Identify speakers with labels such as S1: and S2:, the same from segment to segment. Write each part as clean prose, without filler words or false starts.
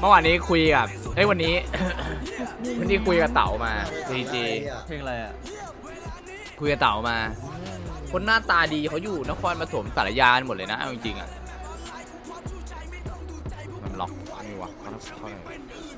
S1: มื่อวานนี้คุยกับวันนี้ วันนี้คุยกับเต๋ามาดีจี
S2: เพลงอะไรอ่ะ
S1: คุยกับเต๋ามา คนหน้าตาดีเขาอยู่นครปฐมสารยาหมดเลยนะเอาจริงๆอ่ะมันล็อกนี่วะเขาเข้าไหน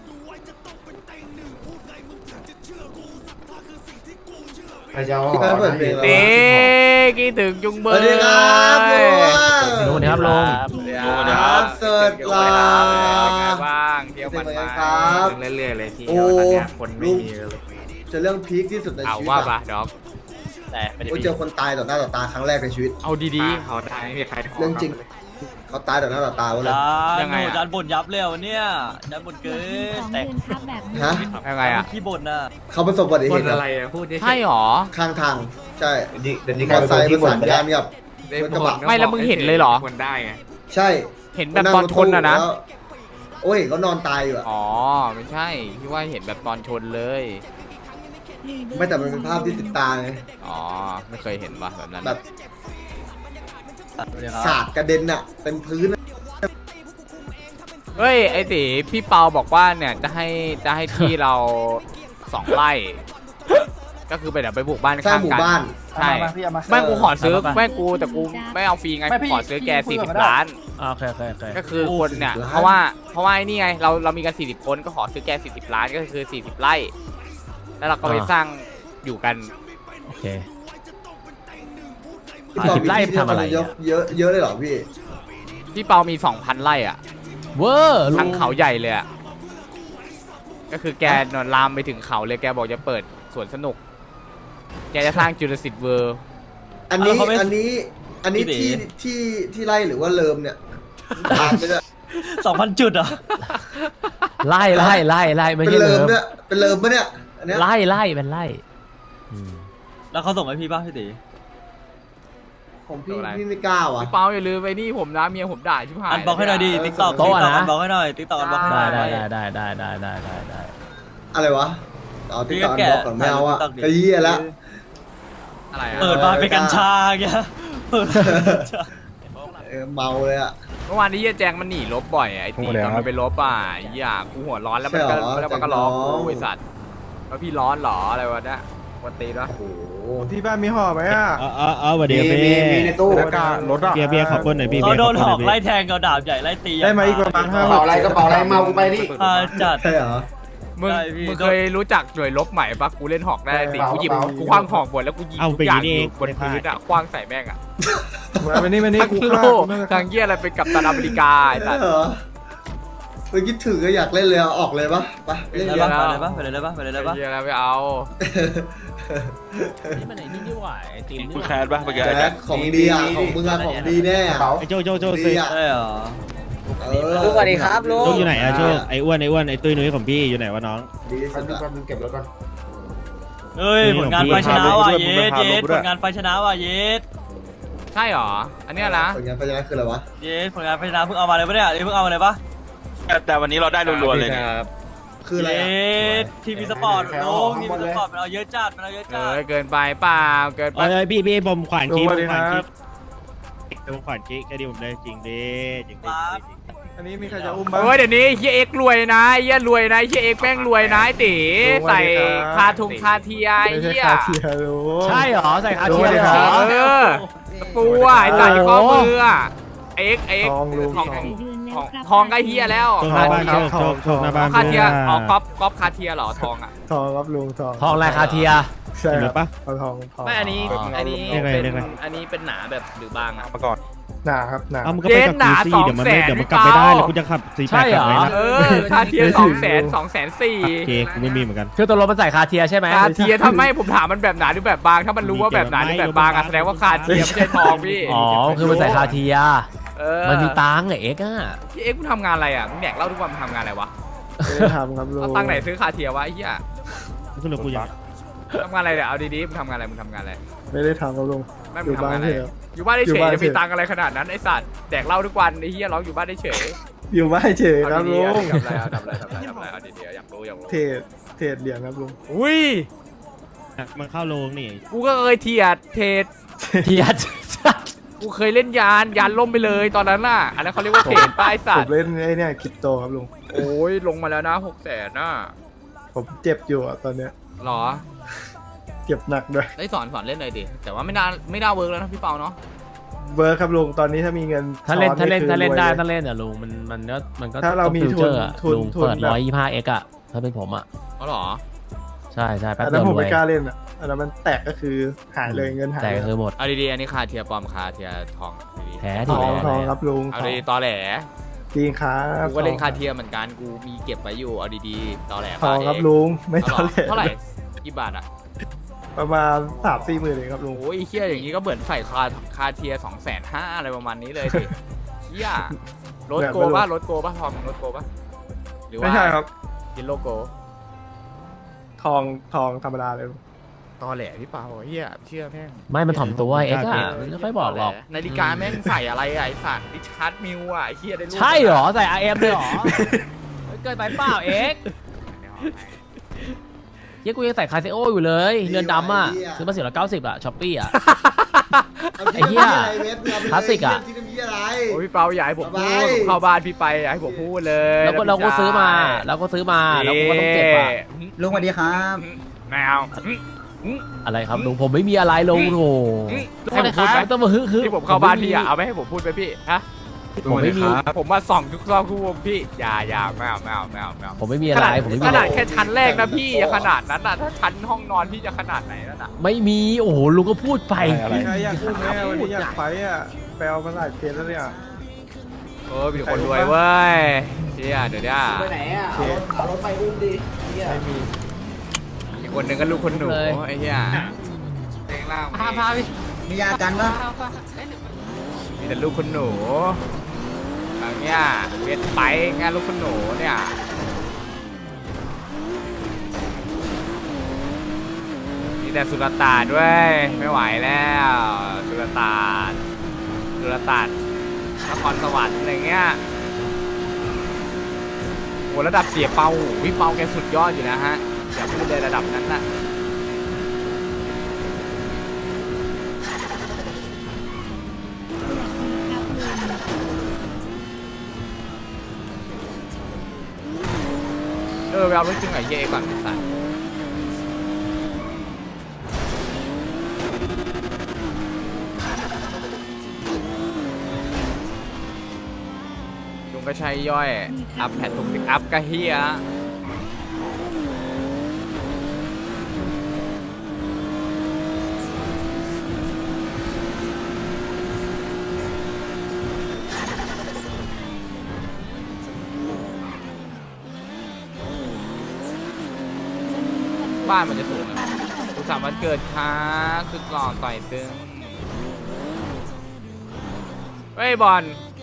S3: พี่ก็เปิดเพลงแล้ว
S1: เด็กคิดถึงจุงเบ
S3: สวัสดีครับลุง
S4: ลุงครับลุง
S3: ครับสวัสดีครับ
S1: ไงบ้างเที่ยวมันมา
S3: ครับ
S4: เรื่อยๆเลยที่
S3: โอ้
S4: ตอนเนี้ยคนไม่มีเลย
S3: จะเรื่องพีคที่สุดใน
S1: เอา
S3: ชีวิต
S1: ว่า
S3: อะ
S1: ปะด็อก
S2: แต่ไม่ได้
S3: โอ้ยเจอคนตายต่อหน้าต่อตาครั้งแรกในชีวิต
S1: เอาดี
S4: เขาได้ไม่มีใครท้
S3: เรื่องจริง เขาตายต่อหน้าต่อตาเลย
S1: ยังไงอะ
S2: จานบ่นยับเลยวันเนี้ยจานบ่นเกินแต่
S3: ฮะ
S1: ๆยังไงอ่ะ
S2: ขี้บ่นน่ะ
S3: เขาประสบอุบัติ
S4: ค
S3: เห
S4: น
S3: ตุ
S4: อะไรอะพูดได้
S1: ใช่หรอ
S3: ข้างทาง ใช่
S4: เดี๋ยวนี้
S3: มอเตอร์ไซค์ประสานงานกับ รถกระบะ
S1: ไม่แล้วมึงเห็นเลยเหรอ
S4: คนได้ไง
S3: ใช่
S1: เห็นแบบตอนชนอ่ะนะ
S3: แล้วโอ้ยเขานอนตายอยู่อะ
S1: อ๋อไม่ใช่พี่ว่าเห็นแบบตอนชนเลย
S3: ไม่แต่มันเป็นภาพที่ติดตาไง
S1: อ๋อไม่เคยเห็นว่ะแบบนั้น
S3: แบบสาดกระเด็นอะเป็นพื้นอะ
S1: เฮ้ยไอติพี่เปาบอกว่าเนี่ยจะให้ที่เรา2 ไร่ ก็คือไปเดี๋ยวไปบุกบ้าน
S3: สร้าง
S1: ข้าง
S3: หมู่
S1: กัน
S3: บ้าน
S1: ใช่แม่งกูขอซื้อแม่งกูแต่กูไม่เอาฟรีไงกูขอซื้อแก40 ล้าน
S4: โอเค
S1: ก็คือคนเนี่ยเพราะว่าไอ้นี่ไงเรามีกัน40 คนก็ขอซื้อแก40 ล้านก็คือ40 ไร่ แล้วเราก็ไปสร้างอยู่กัน
S4: โอเค
S3: พี่ปอ
S4: 40ไร่ทำอะไรอะ
S3: เยอะเลยเหรอพี่
S1: พี่เปามี 2,000 ไร่อ่ะ
S4: เวอร์ลุ
S1: ทั้ง
S4: ง
S1: เขาใหญ่เลยอ่ะก็คือแกนอนลามไปถึงเขาเลยแกบอกจะเปิดสวนสนุก แกจะสร้างจุลศิษย์เวิร์
S3: อันนี้ที่ไล่หรือว่าเลิมเนี่ยตามไปเลย
S2: 2,000 จุดเหรอ
S4: ไล่ไม่
S3: เป็น
S4: ใช่
S3: เลิ
S4: เลิ
S3: ม
S4: ม
S3: เนี่ยเป็นเลิมปะเนี่ยอันเนี้ย
S4: ไล่เป็นไล่อืม
S2: แล้วเขาส่งให้พี่ป่ะพี่ตี
S3: ของพี่ไม่กล้าว่ะ
S1: พี่เปาอย่าลืมไปนี่ผมนะเมียผมด่าชิบหาย
S2: อันบล็อกให้หน่อยดิติ๊กต็อกอันบล็อกให้หน่อยติ๊กต็อกอันบล็อกให้หน่
S4: ได้
S2: อย
S4: ได้
S3: อะไรวะเอาติ๊กต็อก
S2: พี่ก็
S3: บอกก่อนไม่เอาอะ
S2: TikTok ดิ
S3: ไอ้เหี้ยละ
S1: อะไรอะ
S2: เปิดมาเป็นกัญชาแกเปิดมาเป็นกัญชา
S3: เมาเลยอะ
S1: เมื่อวานนี้เหี้ยแจงมันหนีลบบ่อยอะไอ้ตีตอนมันไปลบอ่ะไอ้เหี้ยกูหัวร้อนแล้วมันก็
S3: ใช่เหรอ
S1: แล้วมันก็ล้อ
S3: แจงน้อง
S1: กูไอ้สัตว์ว่าพี่ร้อนเหรออะไรวะเนี่ยวันตีวะ
S3: โอ้โห
S5: ที่บ้านมีห่อไหมอ่ะ
S6: เอาสวัสดีครับพี่
S3: มีในตู้
S5: บรรยากาศรถอ่ะ
S6: เบียร์ขอบคุณหน่อยพี่
S2: เขาโดนหอกไล่
S6: เบียร์
S2: แทงกับดาบใหญ่ไล่ตี
S5: ได้มาอีกประมาณ
S3: กระเป๋าอะไรกระเป๋าอะไรเมากูไปนี่
S2: จัด
S3: ใช่เหรอ
S1: มึง
S2: ใช่พี่
S1: มึงเคยรู้จักหน่วยลบใหม่ปะกูเล่นหอกได้ตีกูหยิบกูคว้างหอกบนแล้วกูยิง
S6: เอา
S1: ทุ
S6: ไป
S1: กอย่าง
S6: นี่
S1: อ
S6: เอง
S1: ยู่บนพื้นอะคว้างใส่แม่งอะ
S5: มานี่มานี่
S1: ทั้ง
S5: กู
S1: โล
S5: ฆ่าก
S1: ทางเหี้ยอะไรเป็นกัปตันอเมริกาไอ้สัตว์
S3: เหรอเมื่อกี้ถือก็อยากเล่นเลยเอาออกเลยปะไปเล่น
S2: ได้
S3: เลย
S2: ปะ
S3: ปะ
S2: ไปเลยปะไปเลยปะไปเลยปะ
S1: เหี้ยแล้วไม่เอา
S4: นี่มันไหนนี่นี่หว่าไอติมนี่
S7: คุณ
S4: ห
S7: แค
S4: ว่า
S7: สป่ะเมื่อกี้
S3: แจ็คของดีอะของมึงอะของดีแน่อะ
S6: ไอ้โจ
S3: ดีอะ
S2: ใช่เหรอ
S3: สวัสดีครับลุง
S6: โจอยู่ไหนอะโจไอ้อ้วนไอ้ตุ้ยนุ้ยของพี่อยู่ไหนวะน้อง
S3: ดีสุดอะ
S2: เฮ้ยผลงานไฟชนะว่ะเยสผลงานไฟชนะว่ะเยส
S1: ใช่หรออันเนี้ยนะ
S3: ผลงานไปยังคืออะไรวะ
S2: เยสผลงานไฟชนะเพิ่งเอามาเลยปะเนี่ยเพิ่งเอามาเลยปะ
S7: แต่วันนี้เราได้รัวๆเลยเนี่ย
S3: คืออะไร
S2: เย
S3: อะ
S2: สทีวีสปอร์ตลุงทีวีสปอร์ตมันเอาเยอะจัดมันเอาเยอะจัด
S1: เกินไปเปล่าเกินไป
S6: เอ้ยพี่ผมขวาน
S5: ลุ
S6: คี
S5: ง
S6: ผ
S5: สวัส
S6: ม
S5: ดี
S6: ข
S5: คว
S6: าน
S5: รั
S6: คี
S5: บ
S6: ผมขวานคีแค่ดีผมได้จริงดิจริง
S5: อันนี้มีใครจะอุ้มบ้าง
S1: เฮ้ยเดี๋ยวนี้เฮียเอ็กรวยนะเฮียรวยนะเฮียเอ็กแม่งรวยนะไอ้ตีใส่คาทุงคาเทีย
S5: ไม่ใช่
S1: เฮีย
S5: คาเทียร์ลุง
S4: ใช่เหรอใส่คาเทียม
S5: รู้
S4: เลย
S5: เลย
S4: เหร
S5: ครั
S4: อบ
S1: เออปูอ่ะไอ้ใส่ข้อมืออ่ะเอ็ก
S5: ทองลุง
S1: ของ
S5: ทอง
S1: ทองใกล้เฮียแล้ว
S6: โชคหน้าบ้านโชคหน้าบ้าน
S1: คาเทียอ๋อก๊อปคาเทียเหรอทองอ่ะ
S5: ทองครับลุงทอง
S4: ทองลายคาเทีย
S5: ใช่
S6: เห็นหรือ
S5: ครั
S6: ปะ
S5: บเอาทองทอง
S1: ไม่อันนี้
S6: เรียกอะไร
S1: เป็น
S6: เรียกอะไร
S1: อันนี้เป็นหนาแบบหรือบางอ่ะ
S7: มาก่อน
S5: หนาครับหนา
S6: เอามันก็ไปกับกูซี่เดี๋ยวมันกลับไม่ได้แล้วกูจะขับ48กลับไหมนะ
S1: เออคาเทีย200,000
S6: โอเคกูไม่มีเหมือนกัน
S4: คือตัวรถมันใส่คาเทียใช่ไหม
S1: คาเทียทำไมผมถามมันแบบหนาหรือแบบบางถ้ามันรู้ว่าแบบหนาหรือแบบบางอ่ะแสดงว่าคาเทียไม่ใช่ทองพี่
S4: อ๋อคือมันใส่คาเทีย
S1: เออ
S4: มันมีตังค์ไอเอ็กซ์อะ
S1: พี่เอ็กซ์มึงทำงานอะไรอ่ะมึงแดกเหล่าทุกวันมึงทำงานอะไรวะ
S5: ไม่ได้ทำครับลุง
S1: เอาตังค์ไหนซื้อคาเทียวะไอ้เหี้ย
S6: ก็เลยกูยัง
S1: ทำงานอะไรเนี่ยเอาดีๆมึงทำงานอะไรมึงทำงานอะไร
S5: ไม่ได้ทำครับลุง
S1: ไม่
S5: อ
S1: มึง
S5: ยู่
S1: ทำ
S5: บ้าน
S1: งานอะไร
S5: เฉย
S1: อยู่บ้านได้
S5: อยู่
S1: เฉย
S5: บ้าน
S1: จะมี
S5: เฉย
S1: ตังค์อะไรขนาดนั้นไอ้สัตว์แดกเหล้าทุกวันไอ้เหี้ยร้องอยู่บ้านได้เฉย
S5: อยู่บ้านเฉยค
S1: เอา
S5: รับ
S1: ดี
S5: ลุง
S1: ๆทำอะไรเอาดีๆอยากรู้
S5: เทรดเหรียญครับลุง
S1: อุ้ย
S6: มันเข้าโรงนี่
S1: กูก็เคยเทียดเทรด
S4: เทีย
S1: กูเคยเล่นยานล่มไปเลยตอนนั้นน่ะอันนั้นเขาเรียกว่าเทรดป้ายสั
S5: ผ
S1: ต
S5: ม
S1: ว์
S5: เล่นไอ้เนี่ยคริปโตครับลุง
S1: โอ้ยลงมาแล้วนะ600,000น่ะ
S5: ผมเจ็บอยู่อะตอนเนี้ย
S1: หรอ
S5: เจ็บหนักด้วย
S1: ได้สอนเล่นหน่อยดิแต่ว่าไม่น่าเวิร์กแล้วนะพี่เปาเนาะ
S5: เวิร์คครับลุงตอนนี้ถ้ามีเงิน
S4: ถ้าเล่น
S5: ช้อ
S4: ถ้าเล่น
S5: คือ
S4: ถ้าเล่น
S5: รวย
S4: ได้
S5: เลย
S4: ถ้าเล่นอ่ะลุงมันก็
S5: ถ้าเรามี
S4: ฟิวเจอร์อะ
S5: ทุน
S4: ลุง
S5: ทุน
S4: เปิด
S5: แบบ
S4: 125x อ่ะถ้าเป็นผมอ่ะ
S1: อ๋อเหรอ
S4: ใช่แป๊บ
S5: อัน
S4: เดี
S5: นั้
S4: ยวน
S5: ผม
S4: รว
S5: ไม่
S4: ย
S5: กล้าเล่นอ่ะอันนั้นมันแตกก็คือหายเลยเงินหาย
S4: แต่
S5: เลย
S4: คือหมด
S1: เอาดีๆอันนี้คาเทียปลอมคาเทียทองดี
S4: แท้
S5: ท
S4: ที่
S5: อง
S4: แท้
S5: ทอง
S4: เลย
S5: ครับลุง
S1: ๆเอาดีๆตอแหล
S5: จริงครับ
S1: กูก็เล่นคาเทียเหมือนกันกูมีเก็บไว้อยู่เอาดีๆตอแหล
S5: ทองครับ
S1: เ
S5: ลุงไม่
S1: เอา
S5: ต้
S1: เห
S5: อ
S1: รง อเท่าไหร่
S5: เล่น
S1: กี่บาทอะ
S5: ประมาณ3-4 หมื่นเองครับลุง
S1: โอ้ยเฮียอย่างนี้ก็เหมือนใส่คาเทีย250,000อะไรประมาณนี้เลยดิเฮียรถโกป่ะทองรถโกป่ะหรือว่า
S5: ไม่ใช่ครับ
S1: กินโลโก้
S5: ทองธรรมดาเลยลุง
S1: ตอแหลพี่เปาเฮียเชื่อแม่ง
S4: ไม่มันถ่อมตัวเอ็กซ์อ่ะมันไม่ค่อยบอกหรอก
S1: นาฬิกาแม่งใส่อะไรอะไอสัตว์ริชาร์ดมิวอะไอเฮียได้รูป
S4: ใช่เหรอใส่ RM เลยเหรอเกินไปเปล่าเอ็กซ์เฮ้ยกูยังใส่คาเซโออยู่เลยเรือนดำอ่ะซื้อมา490อ่ะช้อปปี้อ่ะ ไอ้เหี้ยคลาสสิกอะ
S3: ที่ทำเหี้ยอะไร
S1: โอ้ยพี่เปาอย่าให้ผมพูด
S3: สบาย
S1: ผมเข้าบ้านพี่ไปอย่าให้ผมพูดเลย
S4: แล้วก็ซื้อมาแล้วก็ต้องเก็บอ่ะ
S8: ลุงสวัสดีครับ
S1: แมว
S4: อะไรครับลุงผมไม่มีอะไรลงโห
S1: ให้ผมพูดไหม
S4: ต้องมาฮึ
S1: ที่ผมเข้าบ้านพี่อะเอาไม่ให้ผมพูดไปพี่ฮะ
S4: ผมไม่มี
S1: ผมมาส่องทุกรอบทุกวงพี่อย่าไม่เอา
S4: ผมไม่มีอะไรผมไม่มี
S1: ข
S4: อะไร
S1: นาดแค่ชั้นแรกนะพี่อย่าขนาดนั้นน่ะถ้าชั้นห้องนอนพี่จะขนาดไหนนั่นน่ะ
S4: ไม่มีโอ้โหลุงก็พูดไป
S5: มีใครอยากพูดไหมวันนี้อยากไฟอ่ะแปลมาหลายเพจแล้วเนี่ย
S1: เออมีคนรวยเว้ยเชี่ยเดี๋ยวเนี่ย
S8: ไปไหนอ่ะเอารถไปอุ้มดิเนี่ย
S5: ไม่มี
S1: อีกคนหนึ่งก็ลูกคนหนูไอ้เหี้ยเพลงล่าง
S4: พาพี่
S8: มียากันปะ
S1: มีแต่ลูกคนหนูอย่างเงี้ยเวียนไปงานลูกคนหนูเนี่ยมีแต่สุลต่านด้วยไม่ไหวแล้วสุลต่านนครสวรรค์อะไรเงี้ยโหระดับเสียเปาพี่เปาแกสุดยอดอยู่นะฮะอย่าพูดเลยระดับนั้นน่ะไปเอารถจริงไอ้เย่ก่อนสัตว์ลุงก็ใช้ย่อยอัพแพดทุกอัพก็เฮียบ้านมันจะสูงนะสุขสันต์วันเกิดค่ะสุดหล่อต่อยตึงเฮ้ยบอล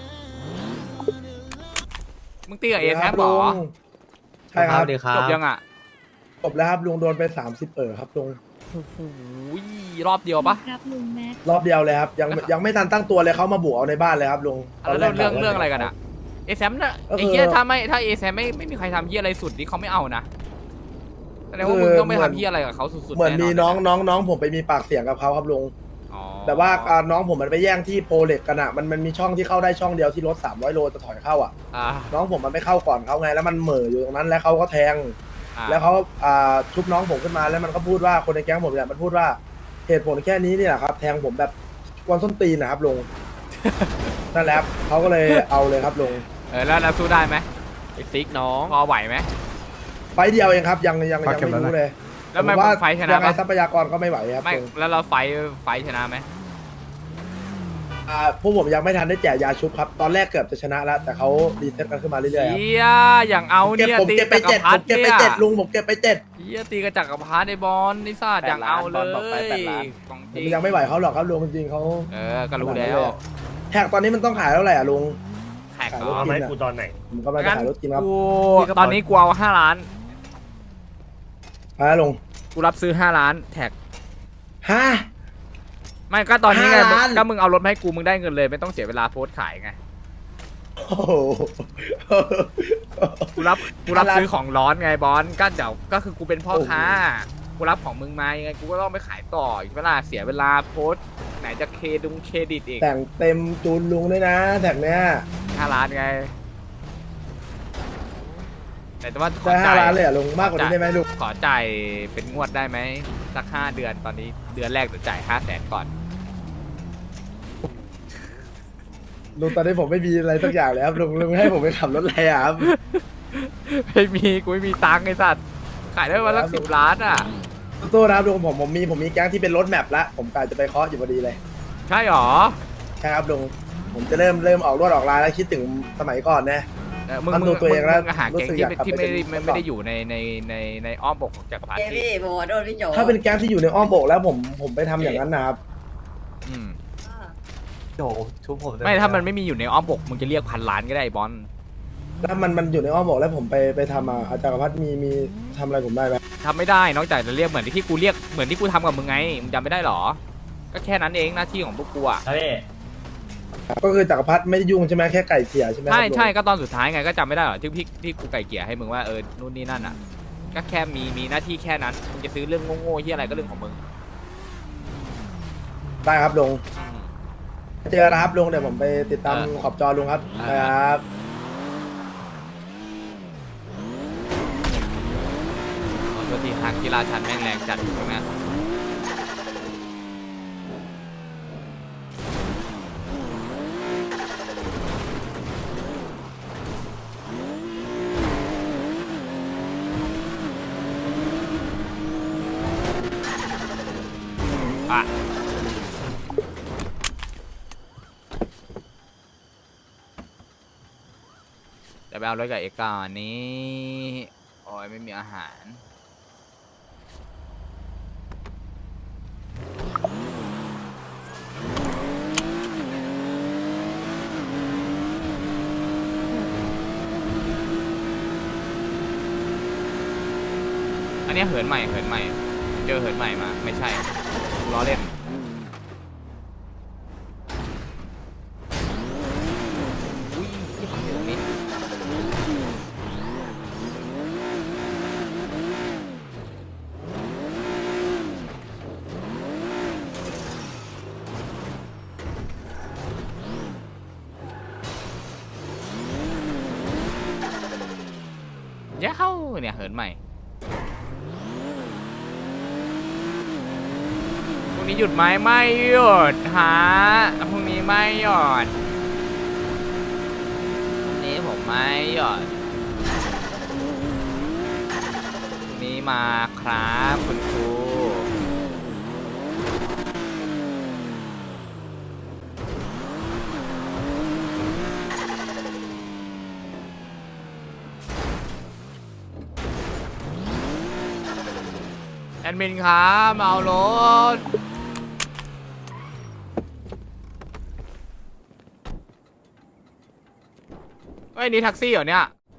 S1: มึงตีกับเอแซมหรอ
S9: ใช่ครับ
S1: จบยังอ่ะ
S9: จบแล้วครับลุงโดนไป30ครับลุง
S1: โอ้โหรอบเดียวปะ
S10: ครับลุงแม็ก
S9: รอบเดียวเลยครับยังไม่ทันตั้งตัวเลยเขามาบุกเอาในบ้านเลยครับลุง
S1: แล้วเรื่องอะไรกันอ่ะเอแซมน่ะไอ้เหี้ยถ้าเอแซมไม่มีใครทำเหี้ยอะไรสุดนี่เขาไม่เอานะแสดงว่ามึงต้องไม่ทำเหี้ยอะไรกับเขาสุดๆ
S9: เหมือนมี
S1: แะ
S9: น้องผมไปมีปากเสียงกับเขาครับลุง
S1: อ๋อ
S9: แต่ว่าน้องผมมันไปแย่งที่โพเล็กกันอ่ะมันมีช่องที่เข้าได้ช่องเดียวที่รถ300 โลจะถอยเข้าอ่ะ
S1: อ่า
S9: น้องผมมันไม่เข้าก่อนเขาไงแล้วมันเหม่ออยู่ตรงนั้นแล้วเขาก็แทง แล้วเขาชุบน้องผมขึ้นมาแล้วมันก็พูดว่าคนในแก๊งผมเนี่ยมันพูดว่าเหตุผลแค่นี้นี่แหละครับแทงผมแบบกวนส้นตีนนะครับลุง นั่นแหละครับเขาก็เลยเอาเลยครับลุง
S1: แล้วเราสู้ได้ไหม
S6: ไอ้ซิกน้อง
S1: พอไหวไหม
S9: ไฟต์เดียวเองครับยังไม่รู้เลย
S1: แล้วมัน
S9: ผมว่า
S1: ไฟท์ชนะ
S9: ยังไง
S1: ปะ
S9: ทรัพยากรก็ไม่ไหวครับ
S1: ไม่
S9: ลุง
S1: แล้วเราไฟท์ชนะไหม
S9: พวกผมยังไม่ทันได้แจกยาชุบครับตอนแรกเกือบจะชนะแล้วแต่เขารีเซ็ตกันขึ้นมาเรื่อยๆครับ
S1: เฮียอย่างเอา
S9: ผม
S1: เนี่ยตี
S9: เก็บไป
S1: จักร
S9: 7
S1: พรร
S9: ผม
S1: ดิ
S9: เก็บไป
S1: เนี่ย
S9: 7ลุงผมเก็บไป7
S1: เฮียตีกระจักรพรรดิไอ้บอลนี่ซ่าอย่างเอาเลยของจริง
S9: ยังไม่ไหวเขาหรอกครับลุงจริงๆเขา
S1: ก็รู้แล้ว
S9: แท็กตอนนี้มันต้องขายเท่าไหร่อ่ะลุง
S1: แท็ก
S9: ขาย
S1: เหร
S9: รถ
S1: อ
S9: กินอ่ะ
S6: กูตอนไหน
S9: ผมกำลังจะขายรถกินครับ
S1: กูตอนนี้กูเอา5 ล้าน
S9: มาลุง
S1: กูรับซื้อ5 ล้านแท็ก
S9: ฮะ
S1: ไม่ก็ตอนนี้ไง
S9: 5 ล้าน
S1: ก็มึงเอารถมาให้กูมึงได้เงินเลยไม่ต้องเสียเวลาโพสต์ขายไง
S9: โอ้โห
S1: กูรับซื้อของร้อนไงบอลก็เดี๋ยวก็คือกูเป็นพ่อค้ากูรับของมึงมายังไงกูก็ต้องไปขายต่ออีกเวลาเสียเวลาโพสต์ไหนจะเครดิตอีก
S9: แต่งเต็มจูนลุงด้วยนะแท็กเนี้ย
S1: 5 ล้านไงแต่ว่าขอ
S9: ได้
S1: จ่าย
S9: 5 ล้านเลยเหรอลุงมากกว่านี้ได้ไหมลุง
S1: ขอจ่ายเป็นงวดได้ไหมสัก5 เดือนตอนนี้เดือนแรกจะจ่าย500,000ก่อน
S9: ลุงตอนนี้ผมไม่มีอะไรสักอย่างเลยครับลุงให้ผมไปขับรถอะไรอะครับ
S1: ไม่มีกูไม่มีตังค์ไอ้สัตว์ขายได้วันละ10 ล้านอ่ะ
S9: ตู้นะครับลุงผมมีแก๊งที่เป็นรถแมพละผมกะจะไปเคาะอยู่พอดีเลย
S1: ใช่หรอ
S9: ใช่ครับลุงผมจะเริ่มออกรถออกลายแล้วคิดถึงสมัยก่อนนะ
S1: มึง
S9: ทำตัวเองแล้ว
S1: หาแก๊ง
S9: รู้สึก
S1: ที่
S9: อยากกลับ
S1: ที่
S9: ไป
S1: ไม่
S9: เป็น
S1: ได้อยู่ในอ้อมอกของจักรพรรดิ
S8: พี่โบโดนพี่โจ
S9: ถ้าเป็นแก๊งที่อยู่ในอ้อมอกแล้วผมไปทำอย่างนั้นนะครับ
S1: อืม
S5: โจชุบผม
S1: ไม่ถ้ามันไม่มีอยู่ในอ้อมอกมึงจะเรียก1,000 ล้านก็ได้ไอ้บอล
S9: ถ้ามันอยู่ในอ้อมอกแล้วผมไปทำอาจารย์พัฒน์มีทำอะไรผมได้ไหม
S1: ทำไม่ได้นอกจากจะเรียกเหมือนที่กูเรียกเหมือนที่กูทำกับมึงไงมึงจำไม่ได้หรอ ก็แค่นั้นเองหน้าที่ของพวกกูอ่ะ
S2: ครับพี่
S9: ก็คือจักรพัฒน์ไม่ได้ยุ่งใช่ไหมแค่ไก่เกลี่ยใช่ไหมครับ
S1: ใช่
S9: ลุง
S1: ใช่ก็ตอนสุดท้ายไงก็จำไม่ได้หรอที่กูไก่เกลี่ยให้มึงว่านู่นนี่นั่นอ่ะก็แค่มีหน้าที่แค่นั้นมึงจะซื้อเรื่องโง่ๆที่อะไรก็เรื่องของมึง
S9: ได้ครับลุงเจอกันนะครับลุงเดี๋ยวผมไปติดตามขอบจอลุงครับครับ
S1: ขอโทษทีทางกีฬาชันแม่งแรงจัดตรงนี้อ่ะจะไปเอารถกับเอกก่อนนี้โอ้ยไม่มีอาหาร อันนี้เหินใหม่เจอเหินใหม่มาไม่ใช่ล้อเล่นอุ้ยที่ผมอยู่นี่เย้าเนี่ยเหินใหม่พรุ่งนี้หยุดไหมไม่หยุดฮะพรุ่งนี้ไม่หยุดพรุ่งนี้ผมไม่หยุดพรุ่งนี้มาครับคุณครูแอดมินครับมาเอารถเฮ้ยนี่แท็กซี่เหรอเนี่ย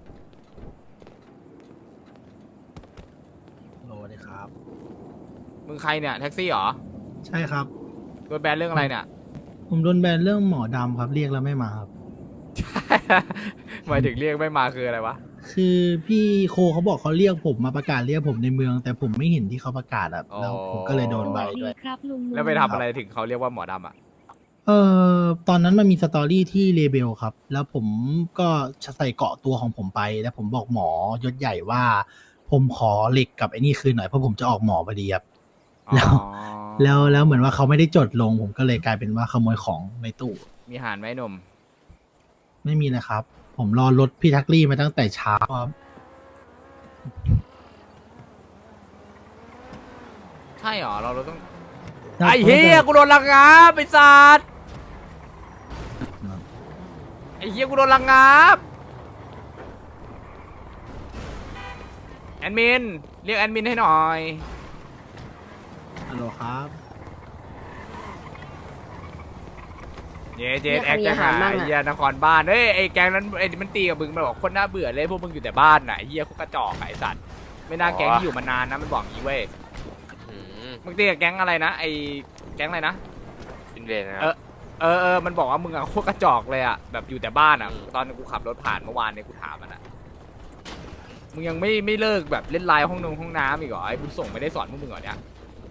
S5: สวัสดีครับ
S1: มึงใครเนี่ยแท็กซี่เหรอ
S5: ใช่ครับ
S1: โดนแบนเรื่องอะไรเนี่ย
S5: ผมโดนแบนเรื่องหมอดำครับเรียกแล้วไม่มาครับ
S1: หมายถึงเรียกไม่มาคืออะไรวะ
S5: คือพี่โคเขาบอกเขาเรียกผมมาประกาศเรียกผมในเมือง แต่ผมไม่เห็นที่เขาประกาศอะแล้วผมก็เลยโดนใบด้วย
S1: แล้วไปทำอะไรถึงเขาเรียกว่าหมอดำอ่ะ
S5: ตอนนั้นมันมีสตอรี่ที่เลเบลครับ แล้วผมก็ใส่เกาะตัวของผมไป แล้วผมบอกหมอยศใหญ่ว่า ผมขอเหล็กกับไอ้นี่คืนหน่อยเพราะผมจะออกหมอพอดีครับ แล้วเหมือนว่าเขาไม่ได้จดลง ผมก็เลยกลายเป็นว่าขโมยของในตู้
S1: มีหารไหมหนุ่ม
S5: ไม่มีเลยครับ ผมรอรถพี่ทักลี่มาตั้งแต่เช้าครับ
S1: ใช่เหรอเราต้องไอ้เฮียกูโดนลังงาบไอ้สัตว์ไอ้เฮียกูโดนลังงาบแอดมินเรียกแอดมินให้หน่อย
S5: ฮัลโหลครับ
S1: เจ๊แอคจะหาไอ้เฮียนครบ้านเฮ้ยไอ้แก๊งนั้นไอ้มันตีกับมึงมันบอกคนน่าเบื่อเลยพวกมึงอยู่แต่บ้านน่ะไอ้เฮียเขากระจอกไอ้สัตว์ไม่น่าแก๊งที่อยู่มานานนะมันบอกงี้เว้ยมึงตีกับแก๊งอะไรนะไอ้แก๊งอะไรนะ
S7: เป็นเวรนะ
S1: มันบอกว่ามึงอะโคตรกระจอกเลยอะแบบอยู่แต่บ้านอะตอนกูขับรถผ่านเมื่อวานเนี่ยกูถามมันอะมึงยังไม่เลิกแบบเล่นไลน์ห้องน้ำอีกเหรอไอ้บุญส่งไม่ได้สอนพวกมึงเหรอเนี่ย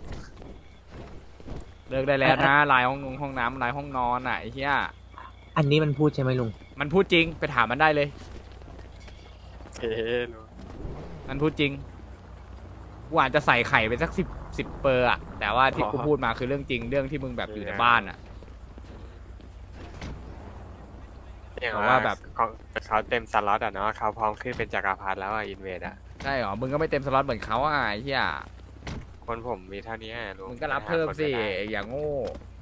S1: เลิกได้แล้วนะไลน์ห้องน้ำไลน์ห้องนอนอ่ะไอ้เหี้ย
S8: อันนี้มันพูดใช่ไหมลุง
S1: มันพูดจริงไปถามมันได้เลย
S7: เฮ้ย
S1: มันพูดจริงกูอาจจะใส่ไข่ไปสักสิบเปอร์อะแต่ว่าที่กูพูดมาคือเรื่องจริงเรื่องที่มึงแบบอยู่ในบ้านอะ
S7: อย่าง
S1: ว่า
S7: ว่า
S1: แบ
S7: แบบ บเขาเต็มสล็อตอ่ะเนาะเขาพร้อมขึ้นเป็นจักรพรรดิแล้วอ่ะอินเวดอ่ะ
S1: ใช่เหรอมึงก็ไม่เต็มสล็อตเหมือนเขาอ่ะไอ้เหี้ย
S7: คนผมมีเท่านี้ลุง
S1: มึงก็รับเพิ่มสิ
S7: ไปหาคนก็ได้
S1: อย่างโง่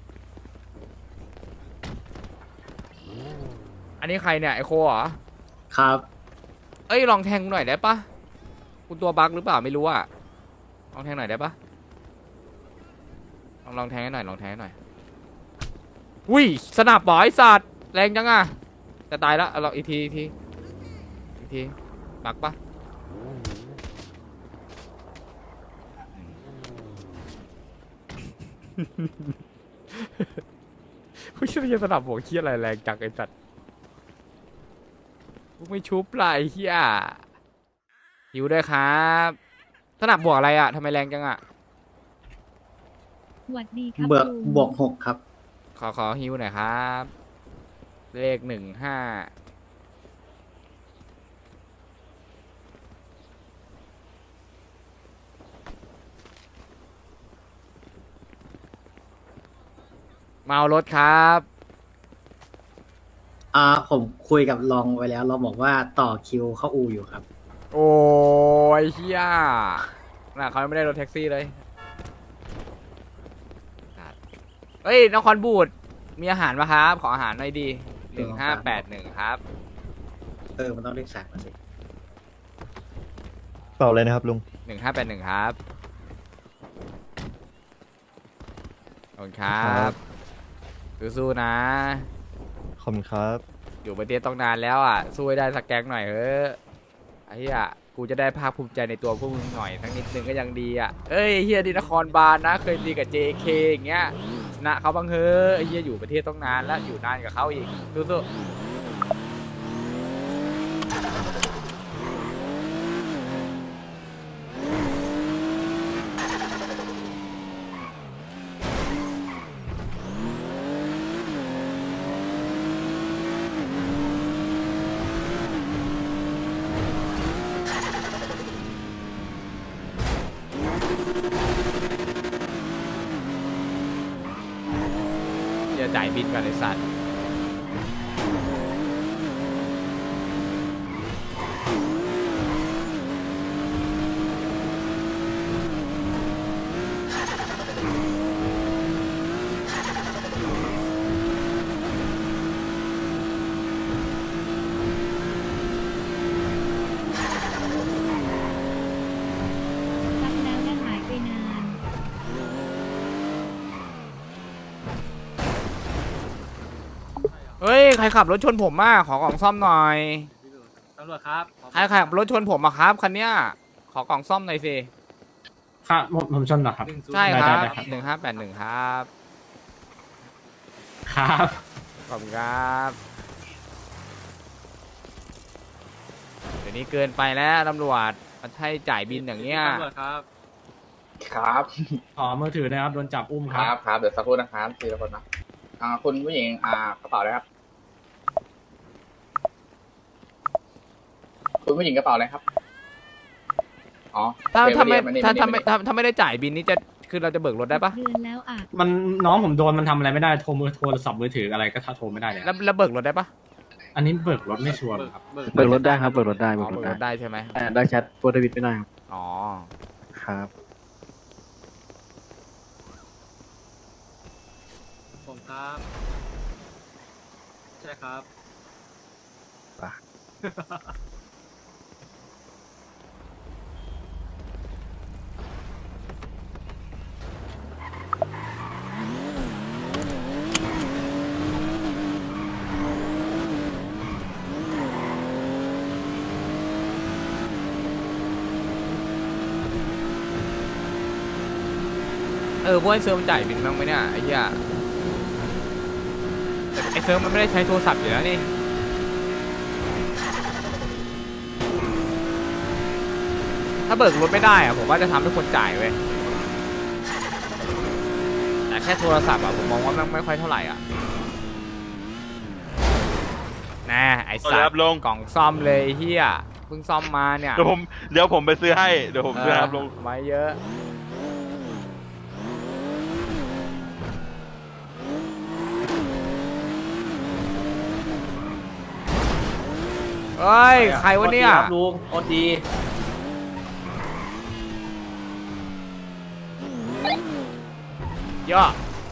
S1: อันนี้ใครเนี่ยไอโคเหรอ
S8: ครับ
S1: เอ้ยลองแทงกูหน่อยได้ปะกูตัวบั๊กหรือเปล่าไม่รู้อะลองแทงหน่อยได้ปะลองแทงให้หน่อยลองแทงให้หน่อยอุ้ยสนับบ่อยสัตว์แรงจังอะจะตายแล้วเอาลองอีกทีบั๊กปะผู้ช่วยสนับหัวเคี้ยอะไรแรงจังไอ้สัตว์พวกไม่ชุบไรเฮียหิวด้วยครับสนับบวกอะไรอะทำไมแรงจังอะ
S10: สวัสดีครับ
S8: เบิก
S10: ลุง
S8: บวกหกครับ
S1: ขอฮิวหน่อยครับ เลข15เมารถครับ
S8: ผมคุยกับรองไว้แล้วเราบอกว่าต่อคิวเข้าอูอยู่ครับ
S1: โอ้ยเฮียน่ะเขาไม่ได้รถแท็กซี่เลยเฮ้ยนครบูดมีอาหารปะครับ ขออาหารหน่อยดี1581ครับ
S8: มันต้องเลขสามมาสิ
S6: เปล่าเลยนะครับลุง
S1: 1581ครับขอบคุณครับสู้ๆนะ
S6: ขอบคุณครับ
S1: อยู่ประเทศต้องนานแล้วอ่ะสู้ให้ได้สักแก๊งหน่อยเฮ้ยไอ้เหี้ยกูจะได้ภาคภูมิใจในตัวพวกมึงหน่อยทั้งนิดนึงก็ยังดีอ่ะเอ้ยเฮียดีนครบาลนะเคยตีกับ JK อย่างเงี้ยชนะเขาบ้างเฮ้ยไอ้เฮียอยู่ประเทศต้องนานแล้วอยู่นานกับเขาอีกสู้ๆจะจ่ายบินกันไอ้สัตว์
S10: รับแล้วและหายไปนาน
S1: เฮ้ยใครขับรถชนผมขอกล่องซ่อมหน่อย
S2: ตำรวจครับ
S1: ใครขับรถชนผมอะครับคันเนี้ยขอกล่องซ่อมหน่อยสิ
S8: ครับผมชนเหรอครับ
S1: ใช่ครับ
S8: ได้ครับ
S1: 1581ครับ
S8: ครับ
S1: ขอบคุณครับเดี๋ยวนี้เกินไปแล้วตำรวจมันให้จ่ายบินอย่างเงี้ย
S2: ตำรวจครับ
S11: ครับ
S8: อ๋อมือถือนะครับโดนจับอุ้ม
S11: ครับครับเดี๋ยวสักครู่นะครับทีละคนนะคุณผู้หญิงกระเป๋าอะไรครับ คุณผู้หญิงกระเป๋าอะไรครับอ๋อ
S1: ถ้า
S11: เดี๋ยว
S1: ถ้าไม่
S11: เดี๋ยว
S1: ถ้า
S11: เดี๋ยว
S1: ถ้าไม่ถ้าถ้าไม่ได้จ่ายบินนี่จะคือเราจะเบิกรถได้ปะ
S10: เดือนแล้วอ่ะ
S8: มันน้องผมโดนมันทำอะไรไม่ได้โทรศัพท์มือถืออะไรก็โทรไม่ได้เลย
S1: แล้วเบิกรถได้ปะ
S8: อันนี้เบิกรถไม่ชัวร์ครับ
S6: เบิกรถได้ครับ เบิกรถได้
S1: อ๋อเบิกรถได้ใช่ไหม
S6: ได้แชทโปรดวิดไม่ได้ครับ
S1: อ๋อ
S6: ครับ
S2: ผมครับ ใช่ครับ
S1: พวกไอ้เซิร์ฟมันจ่ายบินบ้างไหมเนี่ยไอ้เหี้ยแต่ไอ้เซิร์ฟมันไม่ได้ใช้โทรศัพท์อยู่แล้วนี่ถ้าเบิกรถไม่ได้อะผมว่าจะทำให้คนจ่ายเว้ยแต่แค่โทรศัพท์อะผมมองว่ามันไม่ค่อยเท่าไหร่อ่ะแน่ไอ้สัตว์กล่องซ่อมเลยเฮียเพิ่งซ่อมมาเนี่ย
S6: เดี๋ยวผมไปซื้อให้เดี๋ยวผมซื้อครับลง
S1: ไว้เยอะเฮ้ยใครวะเนี่ย
S2: ลุงโอที
S1: เยอะ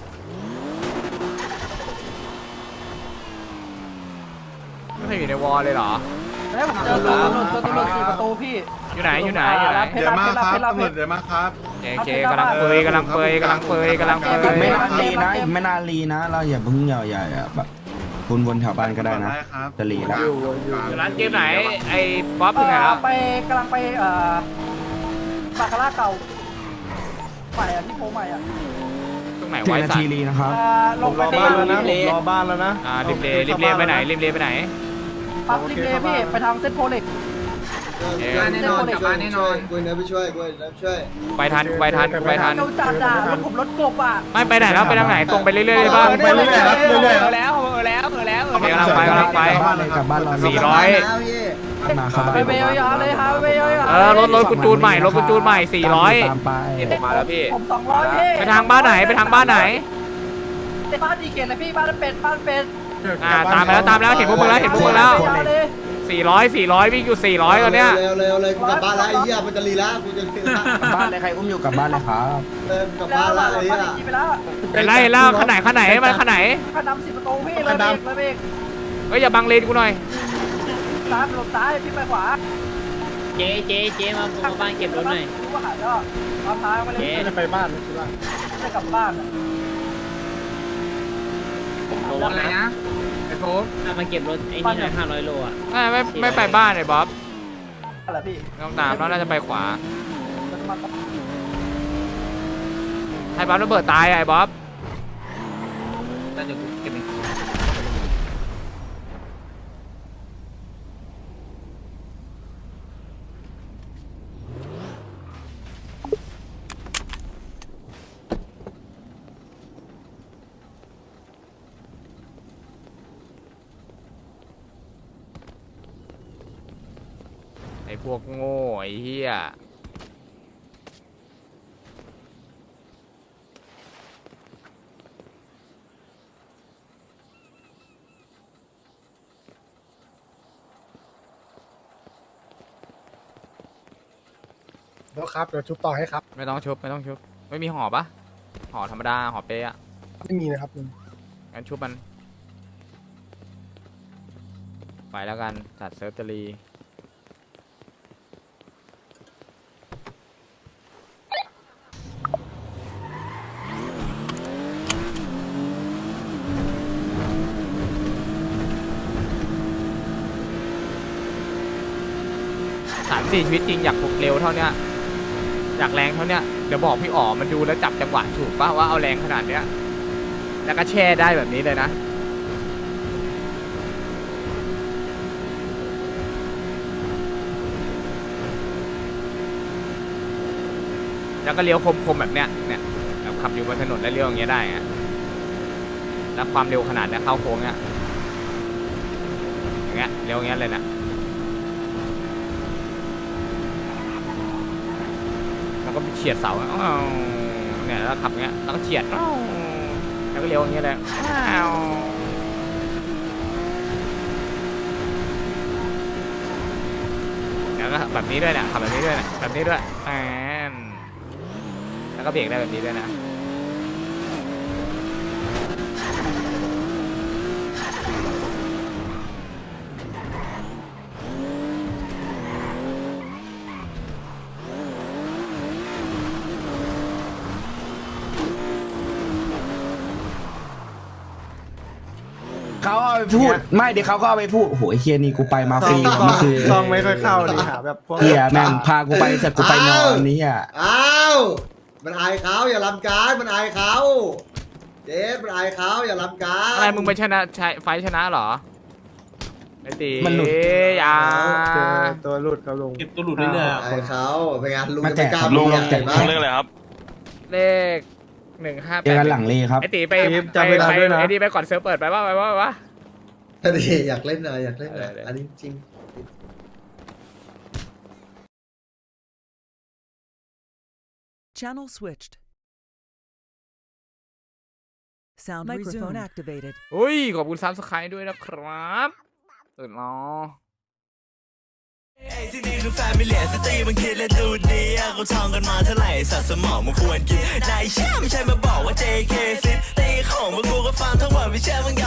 S1: ไม่เคยอยู่ในวอลเลยเหรอ
S2: แล้วผมเจอตำรวจ4 ประตูพี่
S1: อยู่ไหนอยู่ไหน
S2: เดี๋ยวมาครับตำรวจ
S6: เดี๋ยวมาครับ
S1: เจกำลังเปยกำลังเปยกำลังเปยกำลังเปย
S11: ไม่นานรีนะอีกไม่นานรีนะ เราอย่าเพิ่งใหญ่ๆแบบคุณวนแถวบ้านก็ได้นะจะรีแล้ว
S1: อยู่ร้านเกมไหนไอ้ป๊อปถึงไหนแล้ว
S2: กำลังไปบาคาร่าเก่าใหม่ที่โพใหม่
S1: ตรงไหน
S11: ถึง
S1: ไว้
S11: นา
S1: สัต
S11: ที
S1: ว์
S11: รีนะครับ
S2: ลงไปบ้านแล้วนะรอบ้านแล้วนะ
S1: ริมเลไปไหนริมเลไปไหน
S2: ปั๊บริมเลพี่ไปทางเส้นโพเล็ก
S3: แน่นอนกลับบ้านแน่นอนกูเนื้อไปช่วยกูเนื้อช่วย
S1: ไปทัน
S2: เร็วจัดอ่ะรถผมรถกบอ่ะ
S1: ไม่ไปไหนแล้วไปทางไหนตรงไปเรื่อยๆเลยบ้าง
S2: ไปเรื่อยๆครับเรื่อยๆ
S1: แล้วกำลังไปกำลังไป
S11: กลับบ้านเรา
S1: 400
S11: มาครับ
S2: ไปเบลยาเลยครับเบลยา
S1: รถกูจูนใหม่รถกูจูนใหม่400
S11: ตามไป
S1: มาแล้วพี่
S2: ผม200พี่
S1: ไปทางบ้านไหนไปทางบ้านไหน
S2: บ้านดีเกตเลยพี่บ้านเป็ด
S1: ตามแล้วเห็นพวกมึงแล้ว400วิ่งอยู่400ตอนเนี้ย
S3: เร็วเลยกูกลับบ้านแล้วไอ้เหี้ยมันจะรีแล้วกูจะรีแล้ว
S11: กลับบ้านเลยใครอุ้มอยู่กลับบ้านเลยครับ
S3: กลับบ้านแล้วไอ้เหี้ย
S2: ไปแล้ว
S1: เห็นแล้วขนาดมันขนาด
S2: ขันดำ10 ประตูพี่เลยเบรก
S1: เฮ้ยอย่าบังเลนกูหน่อย
S2: ซ้ายลงซ้ายพี่ไปขวา
S4: เจ๊มาบ้านเก็บรถหน่อย
S2: รู้ว่าหายก็ตามทางไปเลยจะไปบ้านใช่ป่ะจะกลับบ้าน
S1: อะไรนะไอ้โฟม
S4: มาเก็บรถไอ้นี่หน่อย500 โลอ่ะ
S1: ไม่ไปบ้านไอ้บ๊อบ
S2: อะไรพี่
S1: ต้องตามแล้วน่าจะไปขวาไอ้บ๊อบระเบิดตายไอ้บ๊อบ
S4: แล้วเดี๋ยวกูเก็บเอง
S1: ไอ้พวกโง่ไอ้เหี้ย
S9: แล้วครับเดี๋ยวชุบต่อให้ครับ
S1: ไม่ต้องชุบไม่มีห่อปะห่อธรรมดาห่อเป๊ะอะ
S9: ไม่มีนะครับ
S1: งั้นชุบมันไปแล้วกันจัดเซิร์ฟจะรี3-4 ชีวิตจริงอยากปลุกเร็วเท่าเนี้ยอยากแรงเท่าเนี้ยเดี๋ยวบอกพี่อ๋อมันดูแล้วจับจังหวะถูกป่ะว่าเอาแรงขนาดเนี้ยแล้วก็แช่ได้แบบนี้เลยนะแล้วก็เลี้ยวคมๆแบบเนี้ยเนี่ยแบบขับอยู่บนถนนแล้วเลี้ยวอย่างเงี้ยได้อะแล้วความเร็วขนาดเนี้ยเข้าโค้งเนี้ยอย่างเงี้ยเลี้ยวอย่างเงี้ยเลยนะแล้วก็เฉียดเสาเนี่ยแล้วขับเงี้ยแล้วก็เฉียดแล้วก็เลี้ยวอย่างเงี้ยเลยแล้วก็แบบนี้ด้วยเนี่ยขับแบบนี้ด้วยแบบนี้ด้วยแล้วก็เบรกได้แบบนี้ด้วยนะ
S11: เขาเอาไปพูดไม่เดี๋ยวเขาก็เอาไปพูดโอ้โหไอ้เฮียนี่กูไปมาฟรีว่ะมันคือ
S9: ซองไม่ค่อยเข้าดีหาแบบพวก
S11: เฮียแม่งพากูไปเสร็จกูไปนอนนี่อ่ะ
S3: อ้าวมันอายเขาอย่าลำการมันอายเขาเจ๊มันอายเขาอย่าลำการ
S1: อะไรมึงไปชนะไฟชนะเหรอไอ้ตี
S11: มันหลุด
S1: อย่า
S6: ตัวหลุดครับลุง
S2: เก็บตัวหลุดเรื่อยๆอะ
S3: ไอ้เขาไปงานลุง
S11: มา
S3: จะ
S11: แจ
S3: ไม่
S11: ก
S3: กล้า
S11: ลุง
S3: เห็น
S11: แจก
S3: ปะ
S7: เรื่องอะไรครับ
S1: เลข158
S11: เจอกันหลังเลครับ
S1: ไอ้ตีไป
S6: รีบจำเวลาด้วยนะ
S1: ไอ้นี่ไปก่อนเซิร์ฟเปิดไปว่า
S3: อันนี้อยากเล่นนะอยากเล่นนะ
S1: เออ
S3: อันนี้จริง
S12: Channel switched. Sound microphone activated.
S1: อุ้ยขอบคุณซับสไครต์ด้วยนะครับตื่นเนาะ
S12: ที่นี่คือแฟมิเลียสตรีมันคิดและดูดีเขาท่องกันมาเท่าไหร่สัตว์สมองมันควรกินนายเชื่อไม่ใช่มาบอกว่า JK ซิตีของพวกกูก็ฟังทั้งหมดไม่เชื่อมึง